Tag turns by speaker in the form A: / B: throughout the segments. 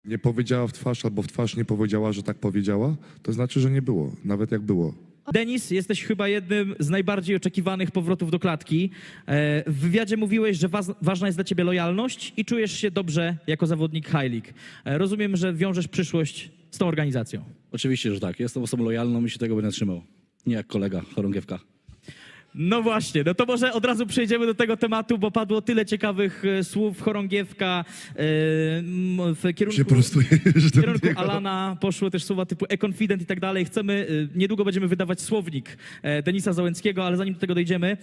A: nie powiedziała w twarz albo w twarz nie powiedziała, że tak powiedziała, to znaczy, że nie było, nawet jak było.
B: Denis, jesteś chyba jednym z najbardziej oczekiwanych powrotów do klatki. W wywiadzie mówiłeś, że ważna jest dla ciebie lojalność i czujesz się dobrze jako zawodnik High League. Rozumiem, że wiążesz przyszłość z tą organizacją.
C: Oczywiście, że tak. Jestem osobą lojalną i się tego będę trzymał. Nie jak kolega Chorągiewka.
B: No właśnie, no to może od razu przejdziemy do tego tematu, bo padło tyle ciekawych słów Chorągiewka w kierunku Alana, poszły też słowa typu e-confident i tak dalej. Niedługo będziemy wydawać słownik Denisa Załęckiego, ale zanim do tego dojdziemy,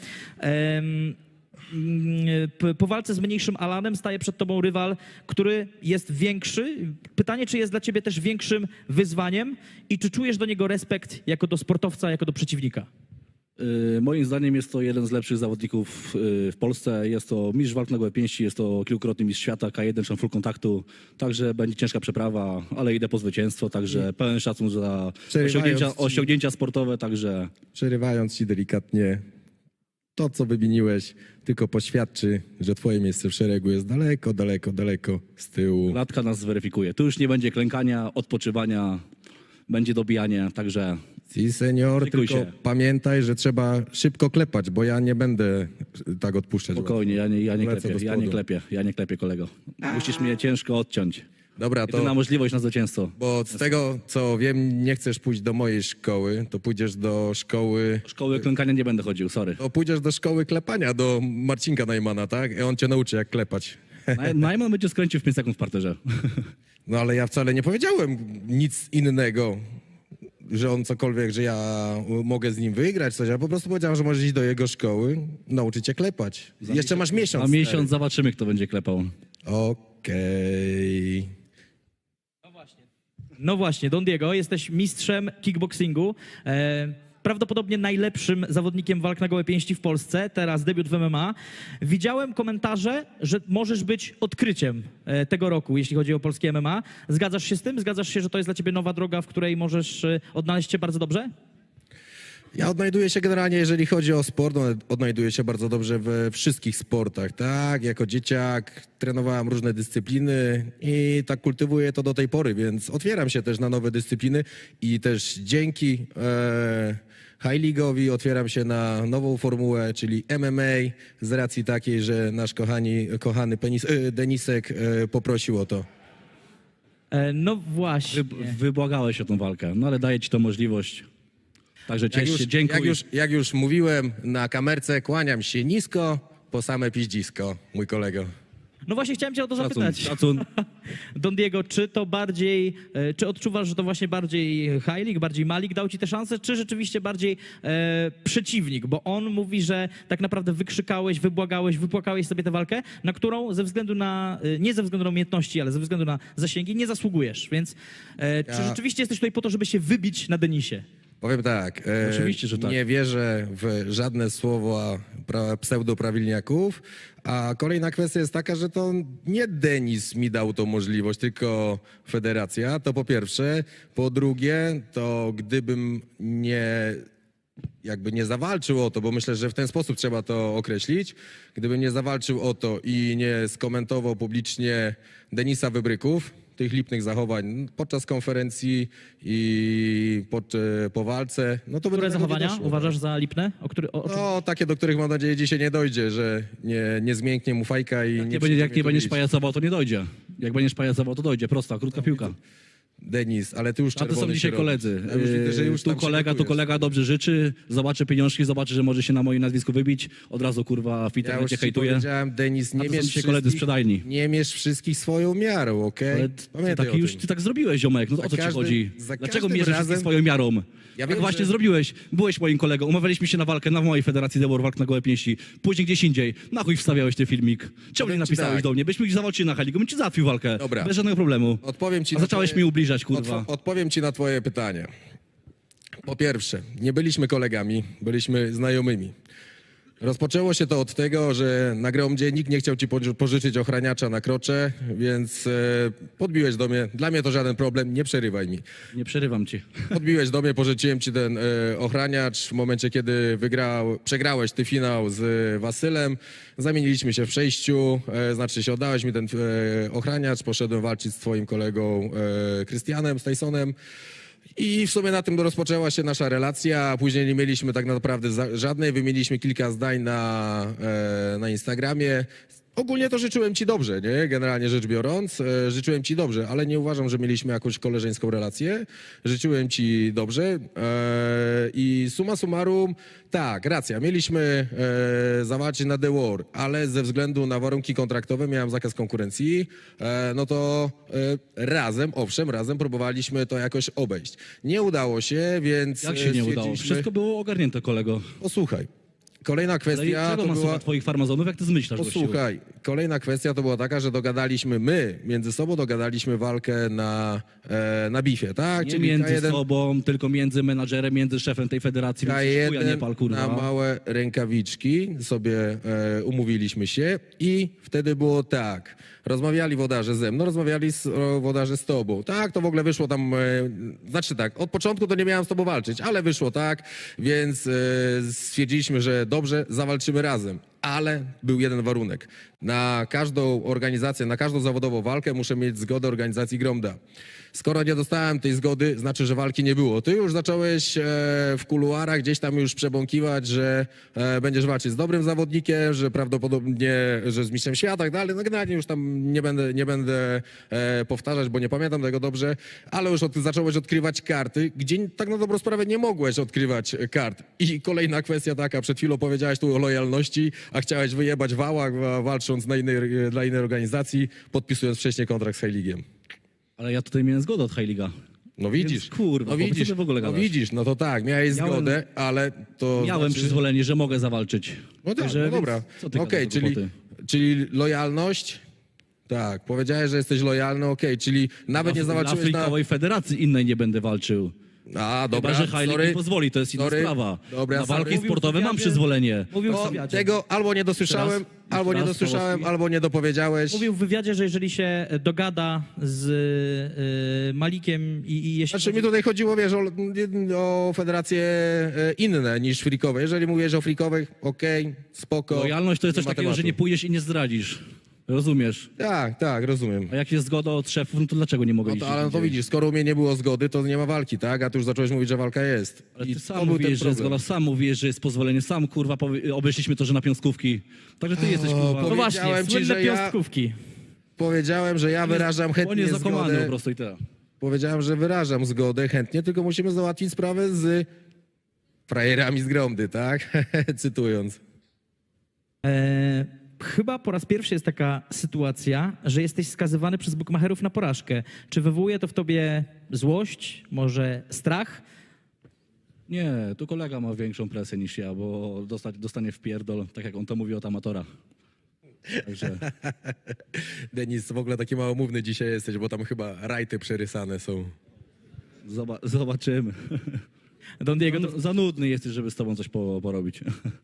B: po walce z mniejszym Alanem staje przed tobą rywal, który jest większy. Pytanie, czy jest dla ciebie też większym wyzwaniem i czy czujesz do niego respekt jako do sportowca, jako do przeciwnika?
C: Moim zdaniem jest to jeden z lepszych zawodników w Polsce. Jest to mistrz walk na gołe pięści, jest to kilkukrotny mistrz świata, K1 czy full kontaktu. Także będzie ciężka przeprawa, ale idę po zwycięstwo, także pełen szacun za osiągnięcia sportowe, także...
D: Przerywając ci delikatnie, to co wymieniłeś tylko poświadczy, że twoje miejsce w szeregu jest daleko, daleko, daleko z tyłu.
C: Klatka nas zweryfikuje. Tu już nie będzie klękania, odpoczywania, będzie dobijanie, także...
D: Si, senior,
C: Szykuj
D: tylko
C: się.
D: pamiętaj, że trzeba szybko klepać, bo ja nie będę tak odpuszczać.
C: Spokojnie, ja nie
D: Lecę
C: klepię,
D: do
C: ja nie klepię, kolego. Musisz mnie ciężko odciąć.
D: Dobra, to
C: Jedyna możliwość na zwycięstwo.
D: bo z tego co wiem, nie chcesz pójść do mojej szkoły, to pójdziesz do szkoły...
C: Szkoły klękania nie będę chodził, sorry.
D: To pójdziesz do szkoły klepania, do Marcinka Najmana, tak? I on cię nauczy jak klepać.
C: Najman będzie skręcił w 5 sekund w parterze.
D: No ale ja wcale nie powiedziałem nic innego, że on cokolwiek, że ja mogę z nim wygrać coś. Ja po prostu powiedziałem, że możesz iść do jego szkoły, nauczyć cię klepać. Jeszcze masz miesiąc.
C: A miesiąc zobaczymy, kto będzie klepał.
D: Okej.
B: No właśnie, Don Diego, jesteś mistrzem kickboxingu. Prawdopodobnie najlepszym zawodnikiem walk na gołe pięści w Polsce, teraz debiut w MMA. Widziałem komentarze, że możesz być odkryciem tego roku, jeśli chodzi o polskie MMA. Zgadzasz się z tym? Zgadzasz się, że to jest dla ciebie nowa droga, w której możesz odnaleźć się bardzo dobrze?
D: Ja odnajduję się generalnie, jeżeli chodzi o sport, odnajduję się bardzo dobrze we wszystkich sportach, tak? Jako dzieciak trenowałem różne dyscypliny i tak kultywuję to do tej pory, więc otwieram się też na nowe dyscypliny i też dzięki High League'owi otwieram się na nową formułę, czyli MMA, z racji takiej, że nasz kochany Denisek poprosił o to.
B: No właśnie.
C: Wybłagałeś o tą walkę, no ale daję ci tą możliwość. Także ciesz się, dziękuję.
D: Jak już mówiłem na kamerce, kłaniam się nisko, po same piździsko, mój kolego.
B: No właśnie chciałem cię o to zapytać.
C: Szacun.
B: Don Diego, czy odczuwasz, że to właśnie bardziej High League, bardziej Malik dał ci tę szansę, czy rzeczywiście bardziej przeciwnik? Bo on mówi, że tak naprawdę wykrzykałeś, wybłagałeś, wypłakałeś sobie tę walkę, na którą ze względu na, nie ze względu na umiejętności, ale ze względu na zasięgi nie zasługujesz. Więc czy rzeczywiście jesteś tutaj po to, żeby się wybić na Denisie?
D: Powiem tak,
C: Oczywiście, że tak.
D: nie wierzę w żadne słowa pseudoprawilniaków, a kolejna kwestia jest taka, że to nie Denis mi dał tą możliwość, tylko federacja, to po pierwsze. Po drugie, to gdybym nie zawalczył o to, bo myślę, że w ten sposób trzeba to określić, gdybym nie zawalczył o to i nie skomentował publicznie Denisa Wybryków, tych lipnych zachowań podczas konferencji i po walce, no to by
B: Które
D: do tego nie
B: zachowania
D: doszło.
B: uważasz za lipne?
D: No, takie, do których mam nadzieję dzisiaj nie dojdzie, że nie zmięknie mu fajka i nie przyjdzie
C: Jak
D: mnie
C: nie
D: tu
C: będziesz
D: bić.
C: pajacował, to nie dojdzie. Jak będziesz pajacował, to dojdzie. Prosta, krótka piłka.
D: Denis, ale ty już
C: A to
D: czerwony
C: są dzisiaj
D: się
C: koledzy.
D: robisz. Ja już widzę, że już
C: Tu
D: tam się
C: kolega
D: gotujesz.
C: dobrze życzy, zobaczy pieniążki, zobaczy, że może się na moim nazwisku wybić. Od razu kurwa w
D: Ja już
C: internecie
D: ci
C: hejtuje.
D: powiedziałem, Denis,
C: A
D: nie
C: to są
D: mierz
C: dzisiaj koledzy sprzedajni.
D: nie mierz wszystkich swoją miarą, okej?
C: Ale
D: Pamiętaj o tym.
C: ty tak zrobiłeś, ziomek. No to
D: Za
C: o co ci
D: każdym-
C: chodzi?
D: za
C: Dlaczego
D: każdym
C: mierzysz
D: razem-
C: wszystkich swoją miarą?
D: Ja
C: Jak
D: wiem,
C: właśnie
D: że-
C: zrobiłeś, byłeś moim kolegą, umawialiśmy się na walkę na mojej federacji The Walk na gołe pięści, później gdzieś indziej. Na chuj wstawiałeś ten filmik? Czemu nie
D: Powiem ci
C: napisałeś
D: tak.
C: do mnie? Byśmy zawalczyli na hali, bym ci załatwił walkę.
D: Dobra.
C: Bez żadnego problemu.
D: Odpowiem ci
C: A
D: na
C: zacząłeś
D: twoje-
C: mi ubliżać, kurwa.
D: Odpowiem ci na twoje pytanie. Po pierwsze, nie byliśmy kolegami, byliśmy znajomymi. Rozpoczęło się to od tego, że na Gromdzie nikt nie chciał ci pożyczyć ochraniacza na krocze, więc podbiłeś do mnie. Dla mnie to żaden problem, nie przerywaj mi.
C: Nie przerywam ci.
D: Podbiłeś do mnie, pożyczyłem ci ten ochraniacz. W momencie, kiedy przegrałeś ty finał z Wasylem, zamieniliśmy się w przejściu, znaczy się oddałeś mi ten ochraniacz, poszedłem walczyć z twoim kolegą Krystianem, z Tysonem. I w sumie na tym rozpoczęła się nasza relacja, a później nie mieliśmy tak naprawdę żadnej, wymieniliśmy kilka zdań na Instagramie. Ogólnie to życzyłem ci dobrze, nie? Generalnie rzecz biorąc, życzyłem ci dobrze, ale nie uważam, że mieliśmy jakąś koleżeńską relację. Życzyłem ci dobrze i summa summarum, tak, racja, mieliśmy zawalczyć na The War, ale ze względu na warunki kontraktowe miałem zakaz konkurencji, no to razem, owszem, razem próbowaliśmy to jakoś obejść. Nie udało się, więc
C: Jak się nie udało?
D: stwierdziliśmy-
C: Wszystko było ogarnięte, kolego.
D: Posłuchaj, kolejna
C: Ale
D: kwestia
C: czego
D: to
C: ma słuchać
D: była...
C: twoich farmazonów, jak ty zmyślasz, gościu?
D: Posłuchaj, kolejna kwestia to była taka, że my między sobą dogadaliśmy walkę na bifie, tak?
C: Nie
D: Czyli
C: między
D: K1,
C: sobą, tylko między menadżerem, między szefem tej federacji, więc chuja nie pal,
D: K1
C: kurwa.
D: na małe rękawiczki sobie umówiliśmy się i wtedy było tak. Rozmawiali wodarze ze mną, rozmawiali wodarze z tobą. Tak, to w ogóle wyszło tam, znaczy tak, od początku to nie miałem z tobą walczyć, ale wyszło tak, więc stwierdziliśmy, że dobrze, zawalczymy razem. Ale był jeden warunek. Na każdą organizację, na każdą zawodową walkę muszę mieć zgodę organizacji Gromda. Skoro nie dostałem tej zgody, znaczy, że walki nie było. Ty już zacząłeś w kuluarach gdzieś tam już przebąkiwać, że będziesz walczyć z dobrym zawodnikiem, że prawdopodobnie, że z mistrzem świata, tak dalej. No generalnie już tam nie będę powtarzać, bo nie pamiętam tego dobrze, ale już zacząłeś odkrywać karty, gdzie tak na dobrą sprawę nie mogłeś odkrywać kart. I kolejna kwestia taka, przed chwilą powiedziałeś tu o lojalności, a chciałeś wyjebać wała, walcząc dla innej organizacji, podpisując wcześniej kontrakt z Heiligiem.
C: Ale ja tutaj miałem zgodę od Heiliga.
D: No widzisz,
C: Więc, kurwa,
D: no
C: po co
D: widzisz,
C: ty w ogóle
D: no
C: gadasz?
D: widzisz, no to tak, miałeś
C: Miałem-
D: zgodę, ale to
C: Miałem
D: znaczy...
C: przyzwolenie, że mogę zawalczyć.
D: No tak,
C: Także,
D: no
C: więc
D: dobra.
C: co ty
D: Okej,
C: gadasz za głupoty?
D: czyli lojalność? Tak, powiedziałeś, że jesteś lojalny, okej, czyli nawet nie
C: Dla
D: zawalczyłeś na...
C: Freakowej Federacji innej nie będę walczył.
D: A, dobra,
C: Chyba, że Heilig
D: sorry.
C: nie pozwoli, to jest inna
D: Sorry.
C: sprawa.
D: Dobra,
C: Na walki
D: sorry.
C: sportowe mam
B: Mówił w
C: przyzwolenie.
B: Mówił w
D: No,
B: wywiadzie.
D: tego albo nie dosłyszałem,
C: Jeszcze raz?
D: albo nie
C: Jeszcze raz,
D: dosłyszałem,
C: Pawłowski?
D: albo nie dopowiedziałeś.
B: Mówił w wywiadzie, że jeżeli się dogada z Malikiem i jeśli...
D: Znaczy mi tutaj chodziło, wiesz, o federacje inne niż freakowe. Jeżeli mówisz o freakowych, okej, spoko.
C: Lojalność to jest
D: nie
C: coś
D: ma
C: takiego, że
D: tematu.
C: nie pójdziesz i nie zdradzisz. Rozumiesz?
D: Tak, rozumiem.
C: A jak jest zgoda od szefów, no to dlaczego nie mogę
D: No
C: iść?
D: to, ale no to
C: gdzieś?
D: widzisz, skoro u mnie nie było zgody, to nie ma walki, tak? A ty już zacząłeś mówić, że walka jest.
C: Ale
D: I
C: ty
D: to
C: sam
D: był ten
C: mówisz, że jest
D: problem.
C: zgoda, sam mówisz, że jest pozwolenie, sam kurwa obeszliśmy to, że na piąskówki. Także ty jesteś kurwa...
B: No właśnie,
D: Powiedziałem ci,
B: słynne
D: że ja-
B: piąstkówki.
D: Powiedziałem, że ja wyrażam
C: On
D: chętnie
C: jest zakłamany po
D: zgodę.
C: prostu i tyle.
D: Powiedziałem, że wyrażam zgodę chętnie, tylko musimy załatwić sprawę z frajerami z Gromdy, tak? Cytując.
B: Chyba po raz pierwszy jest taka sytuacja, że jesteś skazywany przez bukmacherów na porażkę. Czy wywołuje to w tobie złość, może strach?
C: Nie, tu kolega ma większą presję niż ja, bo dostanie w pierdol, tak jak on to mówi od amatora. Także
D: Denis, w ogóle taki małomówny dzisiaj jesteś, bo tam chyba rajty przerysane są.
C: zobaczymy.
B: Don Diego, to
C: Za nudny jesteś, żeby z tobą coś porobić.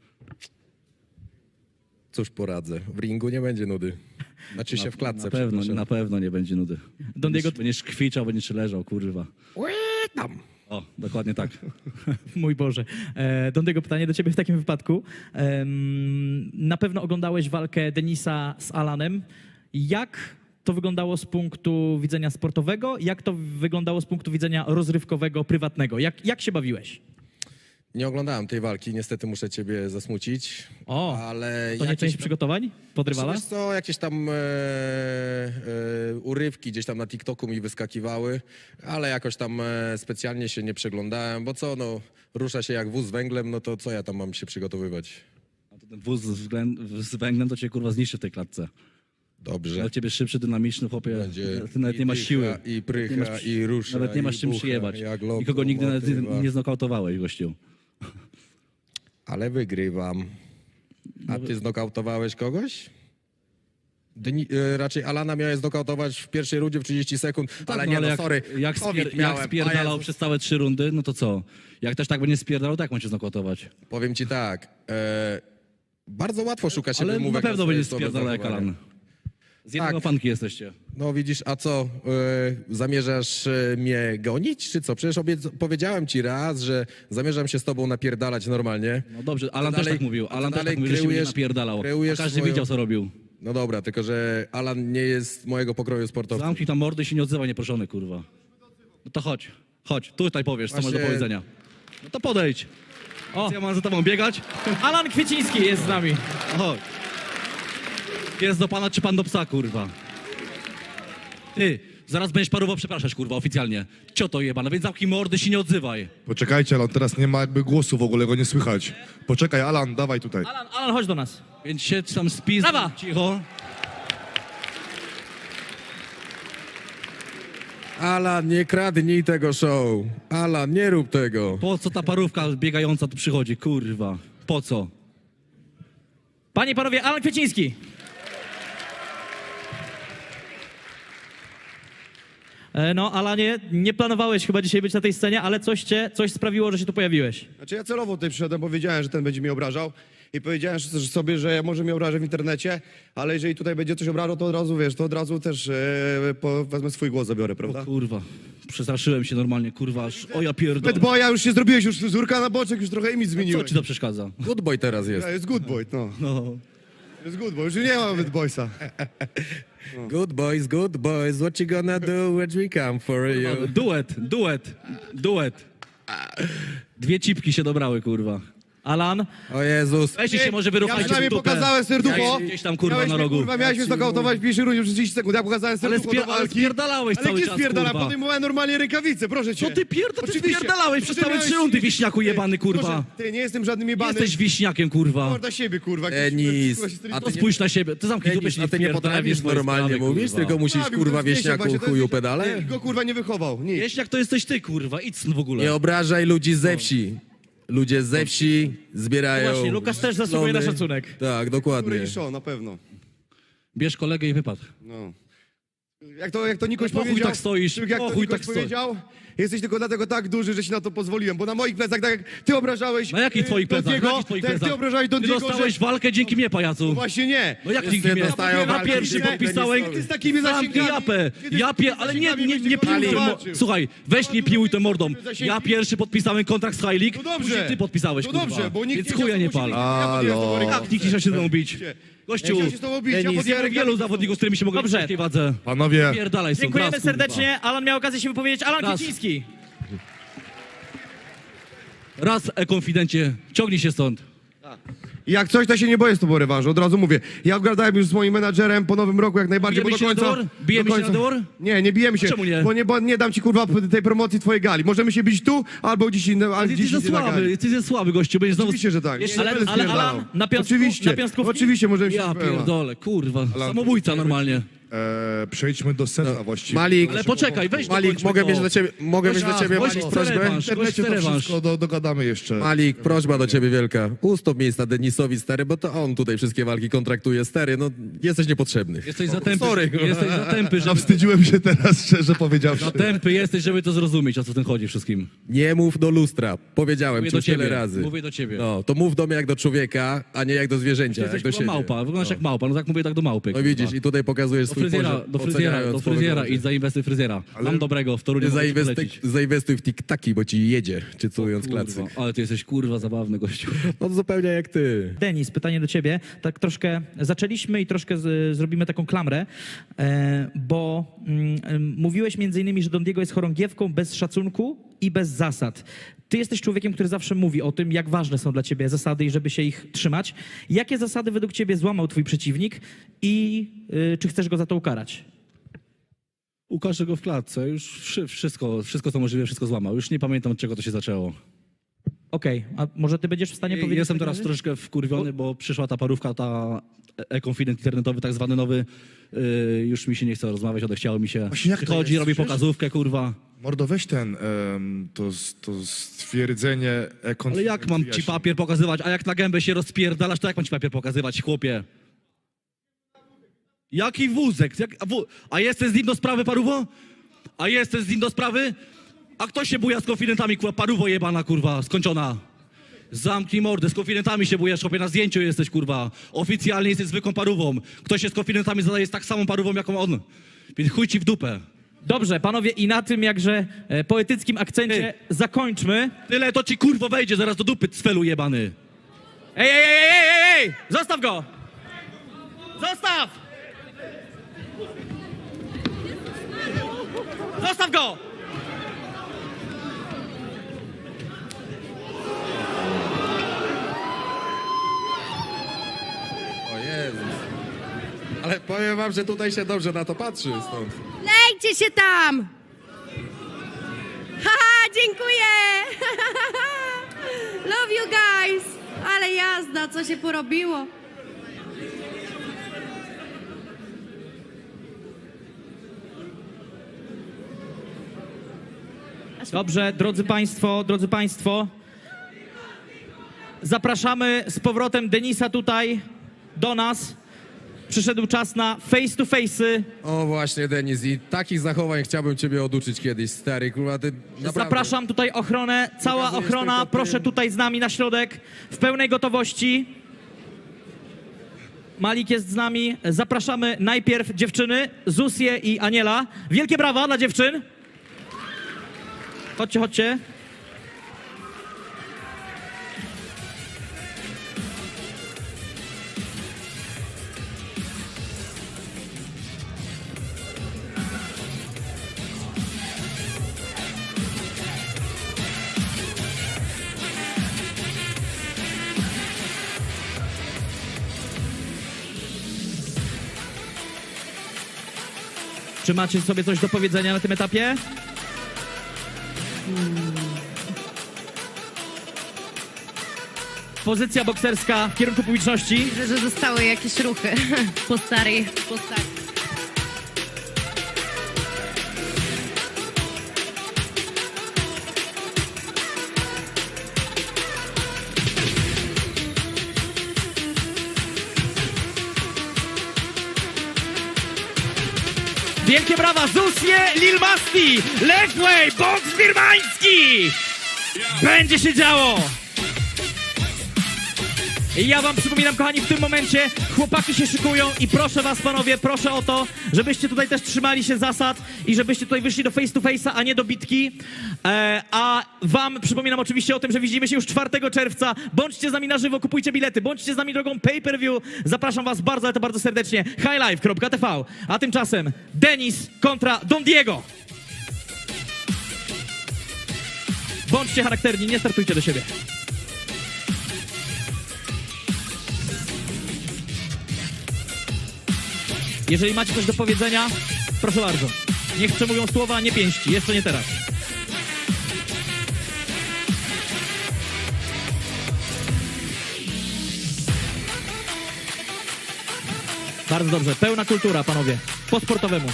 D: Cóż poradzę, w ringu nie będzie nudy. Znaczy się w klatce, przepraszam.
C: Na pewno nie będzie nudy.
B: Don Diego-
C: Będziesz kwiczał, będziesz leżał, kurwa.
D: Tam.
C: O, dokładnie tak.
B: Mój Boże. Don Diego, pytanie do ciebie w takim wypadku. Na pewno oglądałeś walkę Denisa z Alanem. Jak to wyglądało z punktu widzenia sportowego? Jak to wyglądało z punktu widzenia rozrywkowego, prywatnego? Jak się bawiłeś?
D: Nie oglądałem tej walki, niestety muszę ciebie zasmucić.
B: O,
D: ale
B: To nie
D: jakieś
B: część
D: tam-
B: przygotowań pod rywala?
D: Wiesz co, jakieś tam urywki gdzieś tam na TikToku mi wyskakiwały, ale jakoś tam specjalnie się nie przeglądałem, bo co, no, rusza się jak wóz z węglem, no to co ja tam mam się przygotowywać?
C: A to ten wóz z węglem to cię kurwa zniszczy w tej klatce.
D: Dobrze.
C: Ale ciebie szybszy, dynamiczny, chłopie.
D: Będzie
C: Ty nawet nie masz
D: dycha,
C: siły.
D: I
C: Nawet nie
D: prycha,
C: masz-
D: i rusza,
C: Nawet nie masz
D: i
C: czym
D: bucha,
C: przyjebać.
D: jak
C: Nikogo nigdy nawet
D: lokomotywa.
C: nie znokautowałeś, gościu.
D: Ale wygrywam. A ty znokautowałeś kogoś? Raczej Alana miałeś znokautować w pierwszej rundzie w 30 sekund, ale nie, no
C: jak,
D: sorry,
C: jak,
D: COVID
C: jak
D: miałem.
C: spierdalał
D: A Jezus.
C: przez całe 3 rundy, no to co? Jak też tak będzie spierdalał, tak ma cię znokautować.
D: Powiem ci tak, Bardzo łatwo szuka się
C: Ale na
D: wymówek
C: pewno
D: swoje
C: będzie
D: słabe
C: spierdalał jak
D: zachowania.
C: Alan. Z jednego
D: Tak.
C: fanki jesteście.
D: No widzisz, a co, zamierzasz mnie gonić, czy co? Przecież powiedziałem ci raz, że zamierzam się z tobą napierdalać normalnie.
C: No dobrze, Alan
D: dalej-
C: też tak mówił.
D: a
C: Alan
D: ty
C: też tak
D: dalej
C: mówił, że się mnie
D: kreujesz-
C: napierdalał. A
D: kreujesz
C: każdy
D: swoją-
C: wiedział, co robił.
D: No dobra, tylko że Alan nie jest mojego pokroju sportowca.
C: Zamknij tam mordy i się nie odzywaj nieproszony, kurwa. No to chodź, chodź, tutaj powiesz, co masz do
D: Właśnie-
C: powiedzenia. No to podejdź.
B: O.
C: Co ja mam za tobą biegać?
B: Alan Kwieciński jest z nami.
C: Chodź. Pies do pana czy pan do psa, kurwa? Ty, zaraz będziesz parowo przepraszać, kurwa, oficjalnie. Cioto jebana, więc zamknij mordy, się nie odzywaj.
A: Poczekajcie, Alan, teraz nie ma jakby głosu, w ogóle go nie słychać. Poczekaj, Alan, dawaj tutaj.
B: Alan, chodź do nas.
C: Więc siedź tam spis,
B: Brawa!
C: cicho.
D: Alan, nie kradnij tego show. Alan, nie rób tego.
C: Po co ta parówka biegająca tu przychodzi, kurwa? Po co?
B: Panie i panowie, Alan Kwieciński. No, Alanie, nie planowałeś chyba dzisiaj być na tej scenie, ale coś sprawiło, że się tu pojawiłeś.
E: Znaczy ja celowo tutaj przyszedłem, bo wiedziałem, że ten będzie mnie obrażał i powiedziałem sobie, że ja może mnie obrażę w internecie, ale jeżeli tutaj będzie coś obrażał, to od razu, wiesz, to od razu też wezmę swój głos, zabiorę, prawda?
C: O kurwa, przestraszyłem się normalnie, kurwa, aż, o ja pierdolę.
E: Bo ja już się zrobiłeś, już fryzurka na boczek, już trochę imidż
C: Co
E: zmieniłeś.
C: ci to przeszkadza?
D: Good boy teraz jest.
E: Ja, jest good boy, no.
C: No.
E: Jest good boy, już nie ma bad boysa.
D: Good boys, what you gonna do when we come for you?
C: Duet. Dwie cipki się dobrały, kurwa.
B: Alan,
D: O Jezus.
C: Weźcie się może
E: Ja
C: wyruchajcie
E: przynajmniej
C: w dupę.
E: pokazałem serducho.
C: Gdzieś tam, kurwa,
E: Miałeś
C: na
E: mnie,
C: rogu.
E: Kurwa, miałeś mnie znokautować w pierwszej rundzie przez 30 sekund. Ja pokazałem
C: Ale,
E: serducho do
C: ale
E: walki.
C: spierdalałeś
E: Ale
C: cały
E: gdzie
C: czas,
E: spierdalam?
C: kurwa.
E: Podejmowałem normalnie rękawice, proszę cię.
C: Co ty
E: Oczywiście.
C: spierdalałeś przez
E: Może
C: całe
E: miałeś-
C: 3 rundy, wieśniaku jebany, kurwa.
E: Proszę, ty, nie jestem żadnym jebanym.
C: Jesteś wiśniakiem, kurwa.
E: Morda siebie, kurwa.
D: Denis,
E: A
D: a
C: To
D: ty nie-
C: spójrz na siebie. Ty zamknij dupę,
D: Denis,
C: się
D: a
C: nie
D: ty nie
C: wpierdalaj w
D: potrafisz
C: swoje
D: normalnie
C: sprawy,
D: mówić,
C: kurwa.
D: tylko musisz, kurwa, wieśniaku chuju pedale?
E: Go kurwa nie wychował, nic.
C: Wieśniak to jesteś ty, kurwa. Idź stąd w ogóle.
D: Nie obrażaj ludzi ze wsi. Ludzie ze wsi zbierają...
B: No właśnie, Lukas też zasługuje na
D: plony.
B: szacunek.
D: Tak, dokładnie.
E: Który show, na pewno.
C: Bierz kolegę i wypad.
E: No. Jak to Nikoś
C: No po chuj
E: powiedział,
C: tak stoisz,
E: jak
C: po
E: to
C: chuj
E: Nikoś
C: tak stoisz.
E: powiedział, jesteś tylko dlatego tak duży, że ci na to pozwoliłem, bo na moich plecach, tak jak ty obrażałeś
C: Na jakich twoich plecach?
E: Dondiego,
C: Na jakich twoich
E: tak jak
C: plecach?
E: ty obrażałeś
C: Ty
E: Dondiego,
C: dostałeś
E: że...
C: walkę dzięki mnie, pajacu.
E: Właśnie nie.
C: No jak
D: Wszyscy
C: dzięki mnie?
D: dostają
C: Ja
D: walki
C: pierwszy
D: dzięki
C: podpisałem...
E: Ty z takimi
C: Zamknij
E: zasięgami.
C: japę,
E: Ty z
C: japie,
E: takimi
C: ale nie
E: zasięgami
C: piłuj
E: będziesz
C: tym
E: walczył.
C: Słuchaj, weź nie piłuj tym mordą.
E: Zasięgi.
C: Ja pierwszy podpisałem kontrakt z High League,
E: No dobrze.
C: później ty podpisałeś,
E: No
C: kurwa.
E: dobrze, bo nikt
C: Więc
E: nie
C: chuja
E: chciał,
C: nie
E: to
C: pal.
E: musi- ja podjąłem z tobą rękę.
C: Jak nikt nie chciał się ze mną bić? Gościu,
E: Chciał się z tobą bić, ja
D: Denis,
E: podjąłem
C: wielu
E: rękę.
C: zawodników, z którymi się mogłem
B: Dobrze.
C: w ciężkiej wadze.
A: Panowie,
C: Pierdalaj stąd,
B: Dziękujemy
C: raz, kurwa.
B: serdecznie. Alan miał okazję się wypowiedzieć. Alan
C: Raz.
B: Kwieciński.
C: Raz, e-konfidencie, ciągnij się stąd.
E: Jak coś, to się nie boję z tobą rewanżu, od razu mówię. Ja obgadałem już z moim menadżerem po nowym roku jak najbardziej,
C: Bijemy
E: bo do
C: się na
E: końca...
C: dwór? Bijemy
E: do
C: się na
E: końca-
C: dwór?
E: Nie, nie bijemy się.
C: Czemu nie?
E: Bo nie dam ci kurwa tej promocji twojej gali. Możemy się bić tu, albo gdzieś innym,
C: Ale
E: gdzieś
C: jesteś za
E: indziej na
C: słaby,
E: gali.
C: jesteś za słaby, gościu. Będziesz znowu...
E: Oczywiście, że tak.
C: Jeszcze-
E: Nie
B: Ale-
E: będę
B: ale
E: spierdalał.
B: Alan, na piąstku-
E: Oczywiście,
B: na piąstkówki?
E: oczywiście możemy się...
C: Ja pierdolę, kurwa.
A: Alan,
C: Samobójca normalnie.
A: przejdźmy do sedna właściwie.
D: Malik,
C: Ale poczekaj, weź
D: Malik,
C: dokończmy
D: mogę
C: to.
D: mieć do ciebie,
C: Gość
D: Malik,
C: chce
D: prośbę?
C: rewanż,
A: W internecie
C: gość chce
A: to
C: rewanż.
A: wszystko dogadamy jeszcze.
D: Malik, prośba do ciebie wielka. Ustąp miejsca Denisowi, stary, bo to on tutaj wszystkie walki kontraktuje, stary, no jesteś niepotrzebny.
C: Jesteś za tępy,
D: Sorry.
C: jesteś za tępy, żeby...
A: Zawstydziłem się teraz, szczerze powiedziawszy.
C: Za tępy jesteś, żeby to zrozumieć, o co w tym chodzi wszystkim.
D: Nie mów do lustra, powiedziałem
C: Mówię
D: ci
C: do
D: już tyle
C: ciebie,
D: razy.
C: mówię do ciebie.
D: No, to mów do mnie jak do człowieka, a nie jak do zwierzęcia,
C: Jesteś
D: jak do
C: kurwa
D: siebie.
C: małpa, wyglądasz jak małpa, no tak mówię tak do małpy.
D: No
C: kurwa.
D: widzisz, i tutaj pokazujesz
C: Do
D: swój
C: fryzjera,
D: poziom,
C: do fryzjera,
D: oceniając
C: do
D: po
C: fryzjera,
D: wyglądzie.
C: idź zainwestuj w fryzjera. Mam dobrego, w Toruniu mogę ci polecić.
D: Zainwestuj w tiktaki, bo ci jedzie, czytując klasyk.
C: Kurwa, ale ty jesteś kurwa zabawny gościu.
D: No to zupełnie jak ty.
B: Denis, pytanie do ciebie. Tak troszkę zaczęliśmy i troszkę zrobimy taką klamrę, bo mówiłeś między innymi, że Don Diego jest chorągiewką bez szacunku i bez zasad. Ty jesteś człowiekiem, który zawsze mówi o tym, jak ważne są dla ciebie zasady i żeby się ich trzymać. Jakie zasady według ciebie złamał twój przeciwnik i czy chcesz go za to ukarać?
C: Ukażę go w klatce, już wszystko co możliwe, wszystko złamał. Już nie pamiętam, od czego to się zaczęło.
B: Okej, a może ty będziesz w stanie powiedzieć?
C: Jestem
B: w takim
C: teraz
B: razie?
C: troszkę wkurwiony, bo przyszła ta parówka, ta e-konfident internetowy, tak zwany nowy. Już mi się nie chce rozmawiać, odechciało mi się.
A: Właśnie jak to
C: Przychodzi,
A: jest?
C: robi
A: Przecież-
C: pokazówkę, kurwa.
A: Mordo, weź ten, to stwierdzenie
C: Ale jak mam ci papier pokazywać? A jak na gębę się rozpierdalasz, to jak mam ci papier pokazywać, chłopie? Jaki wózek? A jesteś z nim do sprawy, paruwo? A jesteś z nim do sprawy? A kto się buja z konfidentami, kurwa, paruwo jebana, kurwa, skończona? Zamknij mordę, z konfidentami się bujesz, chłopie, na zdjęciu jesteś, kurwa. Oficjalnie jesteś zwykłą parówą. Ktoś się z konfidentami zadaje z tak samą parówą, jaką on. Więc chuj ci w dupę.
B: Dobrze, panowie, i na tym jakże poetyckim akcencie zakończmy.
C: Tyle to ci, kurwo, wejdzie zaraz do dupy, cfelu jebany.
B: Ej! Zostaw go! Zostaw! Zostaw go!
D: O Jezus. Ale powiem wam, że tutaj się dobrze na to patrzy stąd.
F: Lejcie się tam! Haha, dziękuję! Love you guys! Ale jazda, co się porobiło?
B: Dobrze, drodzy państwo, zapraszamy z powrotem Denisa tutaj do nas. Przyszedł czas na face to face'y.
D: O właśnie, Denis, i takich zachowań chciałbym ciebie oduczyć kiedyś, stary, kurwa, ty naprawdę...
B: Zapraszam tutaj ochronę, cała
D: Pokazujesz
B: ochrona,
D: tylko
B: proszę
D: tym.
B: tutaj z nami na środek, w pełnej gotowości. Malik jest z nami. Zapraszamy najpierw dziewczyny, Zusię i Aniela. Wielkie brawa dla dziewczyn. Chodźcie. Czy macie sobie coś do powiedzenia na tym etapie? Pozycja bokserska w kierunku publiczności.
F: Widzę, że zostały jakieś ruchy po starej.
B: Wielkie brawa, Zusie, Lil Masti, Lewway, boks birmański! Będzie się działo! I ja wam przypominam, kochani, w tym momencie chłopaki się szykują i proszę was, panowie, proszę o to, żebyście tutaj też trzymali się zasad i żebyście tutaj wyszli do face to face'a, a nie do bitki. A wam przypominam oczywiście o tym, że widzimy się już 4 czerwca. Bądźcie z nami na żywo, kupujcie bilety, bądźcie z nami drogą pay-per-view. Zapraszam was bardzo, ale to bardzo serdecznie. highlife.tv. A tymczasem Denis kontra Don Diego. Bądźcie charakterni, nie startujcie do siebie. Jeżeli macie coś do powiedzenia, proszę bardzo. Niech przemówią słowa, nie pięści. Jeszcze nie teraz. Bardzo dobrze. Pełna kultura, panowie. Po sportowemu.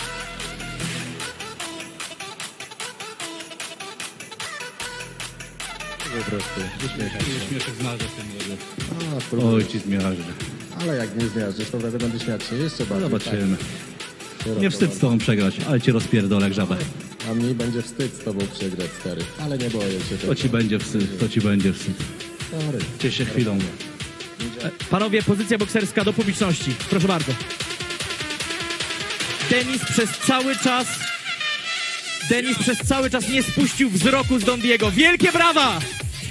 G: Po prostu, uśmiechaj się.
C: Śmieszek zmiażdżę w tym młodym.
G: A, spróbuj.
C: Oj, ci zmiażdżę.
G: Ale jak nie zmiażdżysz, to wtedy będę śmiać się jeszcze bardziej.
C: Zobaczymy.
G: Tak,
C: Nie wstyd z tobą przegrać, ale cię rozpierdolę jak żabę.
G: A mi będzie wstyd z tobą przegrać, stary. Ale nie boję się tego.
C: To ci będzie wstyd, to ci będzie wstyd.
G: Stary.
C: Ciesz się chwilą.
B: Panowie, pozycja bokserska do publiczności. Proszę bardzo. Denis przez cały czas nie spuścił wzroku z Don Diego. Wielkie brawa!